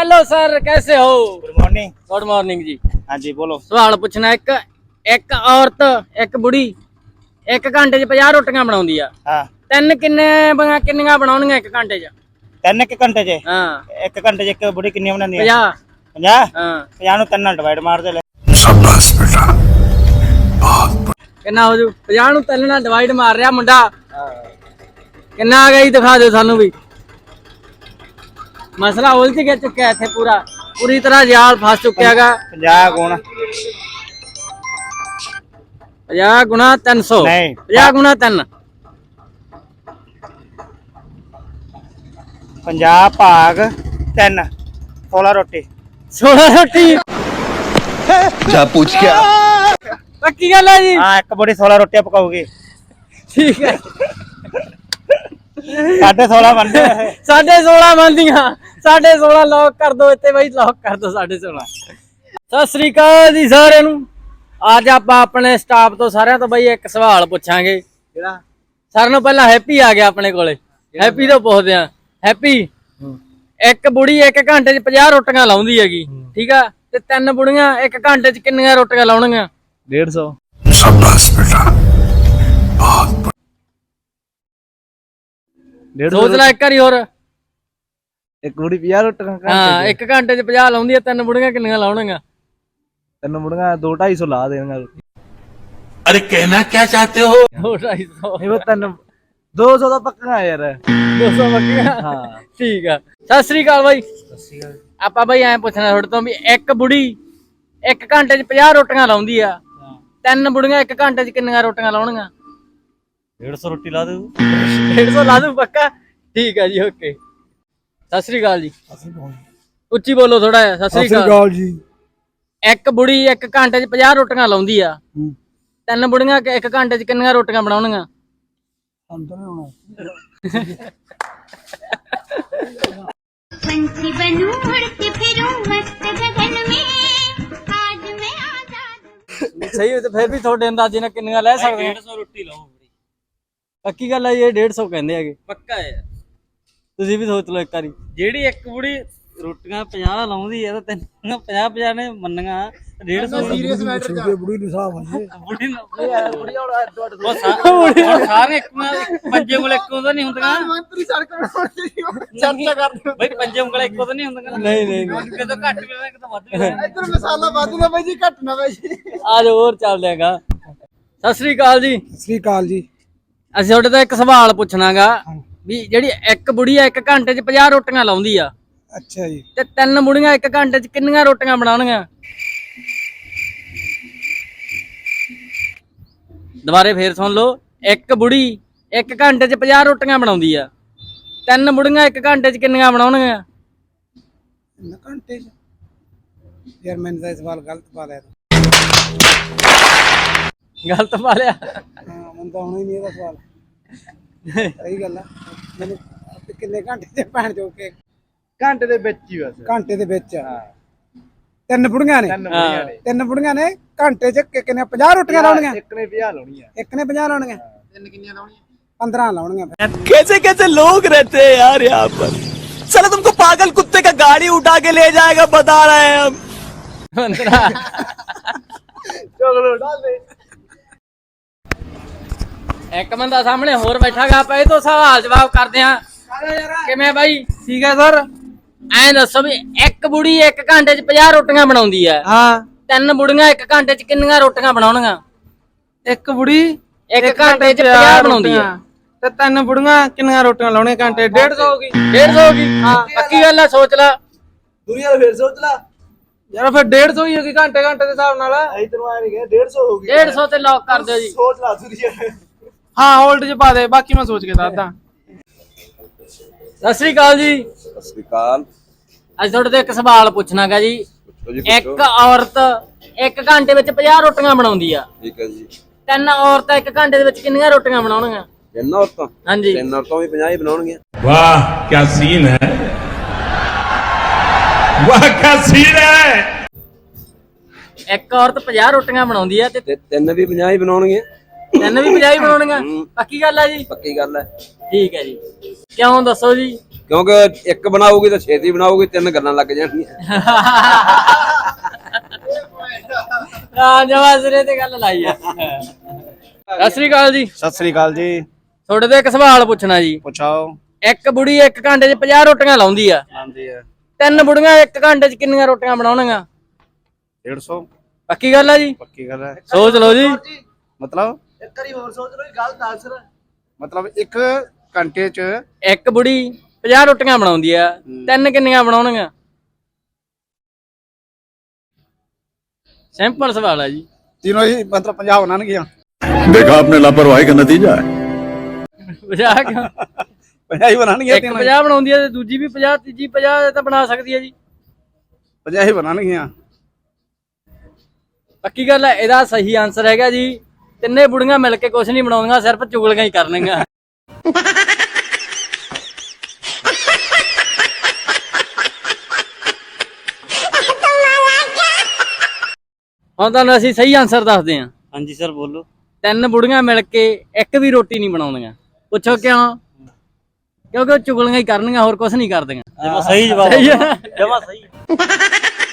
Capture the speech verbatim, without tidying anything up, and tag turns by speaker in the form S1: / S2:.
S1: Hello sir, कैसे हो?
S2: Good morning.
S1: Good morning ji.
S2: हाँ जी बोलो।
S1: सवाल पूछना, एक एक औरत एक बुढ़ी एक घंटे च पचास रोटियां बनाउंदी आ।
S2: हाँ
S1: ਤਿੰਨ ਕਿੰਨੇ ਬਣਾ ਕਿੰਨੀਆਂ ਬਣਾਉਣੀਆਂ ਇੱਕ ਘੰਟੇ ਚ?
S2: ਤਿੰਨ ਇੱਕ ਘੰਟੇ ਚ?
S1: ਹਾਂ
S2: ਇੱਕ ਘੰਟੇ ਚ ਇੱਕ ਬੁੜੀ ਕਿੰਨੀ ਬਣਾਉਂਦੀ ਹੈ?
S1: ਪੰਜਾਹ।
S2: ਪੰਜਾਹ?
S1: ਹਾਂ
S2: ਪੰਜਾਹ ਨੂੰ ਤਿੰਨ ਨਾਲ ਡਿਵਾਈਡ ਮਾਰ ਦੇ ਲੈ।
S3: शाबाश बेटा, बहुत
S1: ਕਿੰਨਾ ਹੋ ਜੂ? ਪੰਜਾਹ ਨੂੰ ਤਿੰਨ ਨਾਲ ਡਿਵਾਈਡ ਮਾਰ ਰਿਹਾ ਮੁੰਡਾ। ਕਿੰਨਾ ਆ ਗਿਆ ਜੀ, ਦਿਖਾ ਦਿਓ ਸਾਨੂੰ ਵੀ। ਮਸਲਾ ਉਲਝ ਗਿਆ ਚੁੱਕਿਆ ਇੱਥੇ ਪੂਰਾ, ਪੂਰੀ ਤਰ੍ਹਾਂ ਜਾਲ ਫਸ ਚੁੱਕਿਆ ਹੈਗਾ।
S2: ਪੰਜਾਹ ਗੁਣ
S1: ਪੰਜਾਹ ਗੁਣਾ ਤਿੰਨ ਸੌ।
S2: ਨਹੀਂ।
S1: ਪੰਜਾਹ ਗੁਣਾ ਤਿੰਨ।
S2: ਪੰਜਾਹ ਭਾਗ ਤਿੰਨ, ਸੋਲਾਂ ਰੋਟੀ।
S1: ਸੋਲਾਂ ਰੋਟੀ
S3: जा पूछ क्या?
S1: ਪੱਕੀ ਗੱਲ ਹੈ ਜੀ?
S2: ਹਾਂ ਇੱਕ ਬੁੜੀ ਸੋਲਾਂ ਰੋਟੀਆਂ ਪਕਾਉਗੀ।
S1: ਠੀਕ ਹੈ।
S2: ਸਾਢੇ ਸੋਲਾਂ ਬਣਦੇ ਆ ਇਹ।
S1: ਸਾਢੇ ਸੋਲਾਂ ਬਣਦੀਆਂ। ਸਾਢੇ ਸੋਲਾਂ ਲੌਕ ਕਰ ਦੋ ਇੱਥੇ ਬਾਈ, ਲੌਕ ਕਰ ਦੋ ਸਾਢੇ ਸੋਲਾਂ। ਸਤਿ ਸ੍ਰੀ ਅਕਾਲ ਜੀ ਸਾਰਿਆਂ ਨੂੰ। ਅੱਜ ਆਪਾਂ ਆਪਣੇ ਸਟਾਫ ਤੋਂ ਸਾਰਿਆਂ ਤੋਂ ਬਾਈ ਇੱਕ ਸਵਾਲ ਪੁੱਛਾਂਗੇ।
S2: ਕਿਹੜਾ?
S1: ਸਾਰਿਆਂ ਨੂੰ ਪਹਿਲਾਂ ਹੈਪੀ ਆ ਗਿਆ ਆਪਣੇ ਕੋਲੇ। ਹੈਪੀ ਤੋਂ ਪੁੱਛਦੇ ਆ। ਹੈਪੀ, ਇੱਕ ਬੁੜੀ ਇੱਕ ਘੰਟੇ ਚ ਪੰਜਾਹ ਰੋਟੀਆਂ ਲਾਉਂਦੀ ਹੈਗੀ, ਠੀਕ ਆ, ਤੇ ਤਿੰਨ ਬੁੜੀਆਂ ਇੱਕ ਘੰਟੇ ਚ ਕਿੰਨੀਆਂ ਰੋਟੀਆਂ ਲਾਉਣਗੀਆਂ?
S2: डेढ़ सौ।
S3: शाबाश बेटा, बहुत
S1: ਸੋਚ ਲੈ ਇੱਕ ਵਾਰੀ ਹੋਰ।
S2: ਇੱਕ ਬੁੜੀ ਪੰਜਾਹ ਰੋਟੀਆਂ
S1: ਹਾਂ, ਇੱਕ ਘੰਟੇ ਚ ਪੰਜਾਹ ਲਾਉਂਦੀ ਆ, ਤਿੰਨ ਬੁੜੀਆਂ ਕਿੰਨੀਆਂ ਲਾਉਣਗੀਆਂ?
S2: ਤਿੰਨ ਬੁੜੀਆਂ ਦੋ ਢਾਈ ਸੌ ਲਾ ਦੇਣਗਾ।
S3: अरे कहना क्या चाहते हो?
S1: ਦੋ ਢਾਈ ਸੌ।
S2: ਇਹ ਤਿੰਨ ਦੋ ਸੌ ਦਾ ਪੱਕਾ ਯਾਰ।
S1: ਦੋ ਸੌ ਬੱਕੀਆਂ।
S2: ਹਾਂ
S1: ਠੀਕ ਆ। ਸਤਿ ਸ੍ਰੀ ਅਕਾਲ ਬਾਈ। ਆਪਾਂ ਬਾਈ ਐਂ ਪੁੱਛਣਾ ਤੁਹਾਡੇ ਤੋਂ ਵੀ ਇੱਕ ਬੁੜੀ ਇੱਕ ਘੰਟੇ ਚ ਪੰਜਾਹ ਰੋਟੀਆਂ ਲਾਉਂਦੀ ਆ, ਤਿੰਨ ਬੁੜੀਆਂ ਇੱਕ ਘੰਟੇ ਚ ਕਿੰਨੀਆਂ ਰੋਟੀਆਂ ਲਾਉਣਗੀਆਂ?
S2: डेढ़ सौ रोटी ला दे।
S1: ਡੇਢ ਸੌ ਲਾ ਦੂ ਪੱਕਾ? ਠੀਕ ਆ ਜੀ, ਓਕੇ। ਸਤਿ ਸ੍ਰੀ ਅਕਾਲ ਜੀ। ਉੱਚੀ ਬੋਲੋ ਥੋੜਾ ਜਿਹਾ। ਸਤਿ ਸ੍ਰੀ ਅਕਾਲ
S2: ਜੀ।
S1: ਇੱਕ ਬੁੜੀ ਇੱਕ ਘੰਟੇ ਚ ਪੰਜਾਹ ਰੋਟੀਆਂ ਲਾਉਂਦੀ ਆ, ਤਿੰਨ ਬੁੜੀਆਂ ਇੱਕ ਘੰਟੇ ਚ ਕਿੰਨੀਆਂ ਰੋਟੀਆਂ ਬਣਾਉਣਗੀਆਂ?
S4: पंछी बनूं उड़ के फिरूं मस्त गगन में आज मैं आजाद।
S1: ਸਹੀ ਤੇ ਫਿਰ ਵੀ ਤੁਹਾਡੇ ਅੰਦਾਜ਼ੇ ਨਾਲ ਕਿੰਨੀਆਂ ਲੈ ਸਕਦੇ ਆ?
S2: डेढ़ सौ रोटी लाओ।
S1: ਪੱਕੀ ਗੱਲ ਆ, ਇਹ ਡੇਢ ਸੌ ਕਹਿੰਦੇ ਹੈਗੇ। ਪੱਕਾ ਹੈ। ਤੁਸੀਂ ਵੀ ਸੋਚ ਲਓ ਇੱਕ ਵਾਰੀ।
S5: ਜਿਹੜੀ ਇੱਕ ਬੁੜੀ ਰੋਟੀਆਂ ਪੰਜਾਹ ਲਾਉਂਦੀ ਹੈ ਤਾਂ ਤੈਨੂੰ ਪੰਜਾਹ ਪੰਜਾਹ ਨੇ ਮੰਨੀਆਂ ਡੇਢ ਸੌ ਸੀਰੀਅਸ ਮੈਟਰ ਚ ਬੁੜੀ ਨੂੰ ਸਾਹ ਆਉਂਦੀ ਬੁੜੀ ਨੂੰ ਬੁੜੀ ਉਹ ਸਾਰੇ ਇੱਕ ਪੰਜੇ ਉਂਗਲ ਇੱਕੋ ਤਾਂ ਨਹੀਂ ਹੁੰਦੀਆਂ। ਮੰਤਰੀ ਸੜਕ ਚਰਚਾ ਕਰਦੇ ਬਈ, ਪੰਜੇ ਉਂਗਲ ਇੱਕੋ ਤਾਂ ਨਹੀਂ ਹੁੰਦੀਆਂ।
S1: ਨਹੀਂ ਨਹੀਂ
S5: ਕਿਤੋਂ ਘੱਟ ਵੀ ਹੋਵੇ ਕਿਤੋਂ ਵੱਧ ਵੀ ਹੋਵੇ।
S2: ਇੱਧਰ ਮਸਾਲਾ ਵੱਧ ਨਾ ਬਾਈ ਜੀ, ਘੱਟ ਨਾ ਬਾਈ ਜੀ।
S1: ਆ ਜਾਓ ਹੋਰ ਚੱਲਦੇ ਹੈਗਾ। ਸਤਿ ਸ੍ਰੀ ਅਕਾਲ ਜੀ।
S2: ਸਤਿ ਸ੍ਰੀ ਅਕਾਲ ਜੀ।
S1: ਅਸੀਂ ਤੁਹਾਡੇ ਤੋਂ ਇੱਕ ਸਵਾਲ ਪੁੱਛਣਾਗਾ ਵੀ ਜਿਹੜੀ ਇੱਕ ਬੁੜੀ ਆ ਇੱਕ ਘੰਟੇ ਚ ਪੰਜਾਹ ਰੋਟੀਆਂ ਲਾਉਂਦੀ ਆ,
S2: ਅੱਛਾ ਜੀ,
S1: ਤੇ ਤਿੰਨ ਬੁੜੀਆਂ ਇੱਕ ਘੰਟੇ ਚ ਕਿੰਨੀਆਂ ਰੋਟੀਆਂ ਬਣਾਉਣਗੀਆਂ? ਦੁਬਾਰੇ ਫੇਰ ਸੁਣ ਲਓ। ਇੱਕ ਬੁੜੀ ਇੱਕ ਘੰਟੇ ਚ ਪੰਜਾਹ ਰੋਟੀਆਂ ਬਣਾਉਂਦੀ ਆ, ਤਿੰਨ ਬੁੜੀਆਂ ਇੱਕ ਘੰਟੇ ਚ ਕਿੰਨੀਆਂ ਬਣਾਉਣਗੀਆਂ?
S2: ਤਿੰਨ ਘੰਟੇ ਚ? ਯਾਰ ਮੈਨੂੰ ਤਾਂ ਸਵਾਲ ਗਲਤ ਪਾ ਲਿਆ।
S1: ਗਲਤ ਪਾ ਲਿਆ?
S2: ਹਾਂ ਮੈਨੂੰ ਤਾਂ ਹੁਣ ਹੀ ਨਹੀਂ ਇਹਦਾ ਸਵਾਲ। ਸਹੀ ਗੱਲ ਆ। ਮੈਨੂੰ ਕਿੰਨੇ ਘੰਟੇ ਚ ਭੈਣ ਜੋ ਕੇ ਘੰਟੇ ਦੇ ਵਿੱਚ ਹੀ ਬਸ। ਘੰਟੇ ਦੇ ਵਿੱਚ ਤਿੰਨ ਬੁੜੀਆਂ ਨੇ।
S1: ਹਾਂ।
S2: ਤਿੰਨ ਬੁੜੀਆਂ ਨੇ ਘੰਟੇ ਚ ਕਿ- ਕਿੰਨੇ ਪੰਜਾਹ ਰੋਟੀਆਂ ਲਾਉਣੀਆਂ? ਇੱਕ ਨੇ ਪੰਜਾਹ ਲਾਉਣੀਆਂ। ਇੱਕ ਨੇ ਪੰਜਾਹ ਲਾਉਣੀਆਂ। ਤਿੰਨ ਕਿੰਨੀਆਂ ਲਾਉਣੀਆਂ? ਪੰਦਰਾਂ ਲਾਉਣੀਆਂ।
S6: कैसे कैसे लोग रहते हैं यार यहाँ पर। चलो तुमको पागल कुत्ते का गाड़ी उठा के ले जाएगा, बता रहे हैं हम।
S2: ਚੋਗਲੋ ਡਾਲ ਦੇ।
S1: ਇੱਕ ਬੰਦਾ ਸਾਹਮਣੇ ਹੋਰ ਬੈਠਾਗਾ, ਆਪਾਂ ਇਹ ਤੋਂ ਸਵਾਲ ਜਵਾਬ ਕਰਦੇ ਆ। ਕਿਵੇਂ ਬਾਈ? ਠੀਕ ਹੈ ਸਰ। ਐਂ ਦੱਸੋ ਵੀ ਇੱਕ ਬੁੜੀ ਇੱਕ ਘੰਟੇ ਚ ਪੰਜਾਹ ਰੋਟੀਆਂ ਬਣਾਉਂਦੀ ਆ,
S2: ਹਾਂ।
S1: ਤਿੰਨ ਬੁੜੀਆਂ ਇੱਕ ਘੰਟੇ ਚ ਕਿੰਨੀਆਂ ਰੋਟੀਆਂ ਬਣਾਉਣਗੀਆਂ?
S2: ਇੱਕ ਬੁੜੀ
S1: ਇੱਕ ਘੰਟੇ ਚ ਪੰਜਾਹ ਬਣਾਉਂਦੀ ਆ,
S2: ਤੇ ਤਿੰਨ ਬੁੜੀਆਂ ਕਿੰਨੀਆਂ ਰੋਟੀਆਂ ਲਾਉਣੀਆਂ ਘੰਟੇ? ਡੇਢ ਸੌ ਹੋ ਗਈ।
S1: ਡੇਢ ਸੌ ਹੋ ਗਈ। ਪੱਕੀ ਗੱਲ ਆ, ਸੋਚ ਲਾ।
S2: ਦੁਨੀਆ ਫੇਰ ਸੋਚ ਲਾ ਯਾਰ, ਫਿਰ ਡੇਢ ਸੌ ਹੀ ਹੋ ਗਈ ਘੰਟੇ ਘੰਟੇ ਦੇ ਹਿਸਾਬ ਨਾਲ। ਅਸੀਂ ਤੈਨੂੰ ਆਇਆ ਨਹੀਂ ਗਿਆ, ਡੇਢ ਸੌ ਹੋ ਗਈ।
S1: ਡੇਢ ਸੌ ਤੇ ਲੌਕ ਕਰ ਦਿਓ ਜੀ।
S2: ਸੋਚ ਲਾ ਦੁਨੀਆ। ਹਾਂ ਹੋਲਡ ਚ ਪਾ ਦੇ, ਬਾਕੀ ਮੈਂ ਸੋਚ ਕੇ ਦੱਸਦਾ।
S1: ਸਤਿ ਸ੍ਰੀ ਅਕਾਲ ਜੀ।
S3: सत श्रीकाल।
S1: ਅੱਜ ਤੁਹਾਡੇ ਤੋਂ ਇੱਕ ਸਵਾਲ ਪੁੱਛਣਾਗਾ ਜੀ। ਇੱਕ ਔਰਤ ਇੱਕ ਘੰਟੇ ਵਿੱਚ ਪੰਜਾਹ ਰੋਟੀਆਂ ਬਣਾਉਂਦੀ ਆ,
S3: ठीक है जी।
S1: ਤਿੰਨ ਔਰਤਾਂ ਇੱਕ ਘੰਟੇ ਦੇ ਵਿੱਚ ਕਿੰਨੀਆਂ ਰੋਟੀਆਂ ਬਣਾਉਣਗੀਆਂ?
S3: ਤਿੰਨ ਔਰਤਾਂ?
S1: ਹਾਂਜੀ।
S3: ਤਿੰਨ ਔਰਤਾਂ ਵੀ ਪੰਜਾਹ ਹੀ ਬਣਾਉਣਗੀਆਂ।
S7: वाह क्या सीन है, वाह क्या सीन है।
S1: ਇੱਕ ਔਰਤ ਪੰਜਾਹ ਰੋਟੀਆਂ ਬਣਾਉਂਦੀ ਆ ਤੇ
S3: ਤੇ ਤਿੰਨ ਵੀ ਪੰਜਾਹ ਹੀ ਬਣਾਉਣਗੀਆਂ।
S1: ਤਿੰਨ ਵੀ ਪੰਜਾਹ ਹੀ ਬਣਾਉਣਗੀਆਂ। ਪੱਕੀ ਗੱਲ ਆ ਜੀ?
S3: ਪੱਕੀ ਗੱਲ ਹੈ।
S1: ਠੀਕ ਹੈ ਜੀ। ਕਿਉਂ ਦੱਸੋ ਜੀ?
S3: ਕਿਉਂਕਿ ਇੱਕ ਬਣਾਉਗੀ ਤਾਂ ਛੇਤੀ ਬਣਾਉਗੀ, ਤਿੰਨ ਗੱਲਾਂ ਲੱਗ ਜਾਣਗੀਆਂ।
S1: ਹਾਂ ਜਵਾ ਸਿਰੇ ਤੇ ਗੱਲ ਲਾਈ ਆ। ਸਤਿ ਸ੍ਰੀ ਅਕਾਲ ਜੀ।
S8: ਸਤਿ ਸ੍ਰੀ ਅਕਾਲ ਜੀ।
S1: ਤੁਹਾਡੇ ਤੋਂ ਇੱਕ ਸਵਾਲ ਪੁੱਛਣਾ ਜੀ।
S8: ਪੁੱਛਾਓ।
S1: ਇੱਕ ਬੁੜੀ ਇੱਕ ਘੰਟੇ 'ਚ ਪੰਜਾਹ ਰੋਟੀਆਂ ਲਾਉਂਦੀ ਆ,
S8: ਲਾਉਂਦੀ ਹੈ
S1: ਤਿੰਨ ਬੁੜੀਆਂ ਇੱਕ ਘੰਟੇ 'ਚ ਕਿੰਨੀਆਂ ਰੋਟੀਆਂ ਬਣਾਉਣਗੀਆਂ?
S8: ਡੇਢ ਸੌ।
S1: ਪੱਕੀ ਗੱਲ ਆ ਜੀ?
S8: ਪੱਕੀ ਗੱਲ ਹੈ।
S1: ਸੋਚ ਲਓ ਜੀ।
S8: ਮਤਲਬ
S2: ਇੱਕ ਵਾਰੀ ਹੋਰ ਸੋਚ ਲਓ ਗੱਲ ਦੱਸ।
S8: ਮਤਲਬ ਇੱਕ ਘੰਟੇ ਚ
S1: ਇੱਕ ਬੁੜੀ ਪੰਜਾਹ ਰੋਟੀਆਂ ਬਣਾਉਂਦੀ ਆ, ਤਿੰਨ ਕਿੰਨੀਆਂ ਬਣਾਉਣਗੀਆਂ? ਸਿੰਪਲ ਸਵਾਲ ਆ ਜੀ।
S8: तीनों ही मतलब पंजाब बनाने गया।
S6: देखा आपने लापरवाही का नतीजा है।
S1: ਪੰਜਾਹ ਕਿਉਂ?
S8: पंजाब ही बनाने गया।
S1: ਇੱਕ ਪੰਜਾਹ ਬਣਾਉਂਦੀ ਆ ਤੇ ਦੂਜੀ ਵੀ ਪੰਜਾਹ, ਤੀਜੀ ਪੰਜਾਹ ਤਾਂ ਬਣਾ ਸਕਦੀ ਆ ਜੀ।
S8: पंजाब ही बनाने गया।
S1: ਪੱਕੀ ਗੱਲ ਹੈ। ਇਹਦਾ ਸਹੀ ਆਨਸਰ ਹੈਗਾ ਜੀ, ਤਿੰਨੇ ਬੁੜੀਆਂ ਮਿਲ ਕੇ ਕੁਝ ਨਹੀਂ ਬਣਾਉਂਦੀਆਂ, ਸਿਰਫ ਚੁਗਲੀਆਂ ਹੀ ਕਰਨਗੀਆਂ। ਹੁਣ ਤੁਹਾਨੂੰ ਅਸੀਂ ਸਹੀ ਆਨਸਰ ਦੱਸਦੇ ਹਾਂ।
S5: ਹਾਂਜੀ ਸਰ ਬੋਲੋ।
S1: ਤਿੰਨ ਬੁੜੀਆਂ ਮਿਲ ਕੇ ਇੱਕ ਵੀ ਰੋਟੀ ਨਹੀਂ ਬਣਾਉਂਦੀਆਂ। ਪੁੱਛੋ ਕਿਉਂ? ਕਿਉਂਕਿ ਉਹ ਚੁਗਲੀਆਂ ਹੀ ਕਰਨਗੀਆਂ, ਹੋਰ ਕੁਝ ਨਹੀਂ ਕਰਦੀਆਂ।
S5: ਜਮਾ ਸਹੀ ਜਵਾਬ।
S1: ਸਹੀ ਹੈ।
S5: ਜਮਾ ਸਹੀ।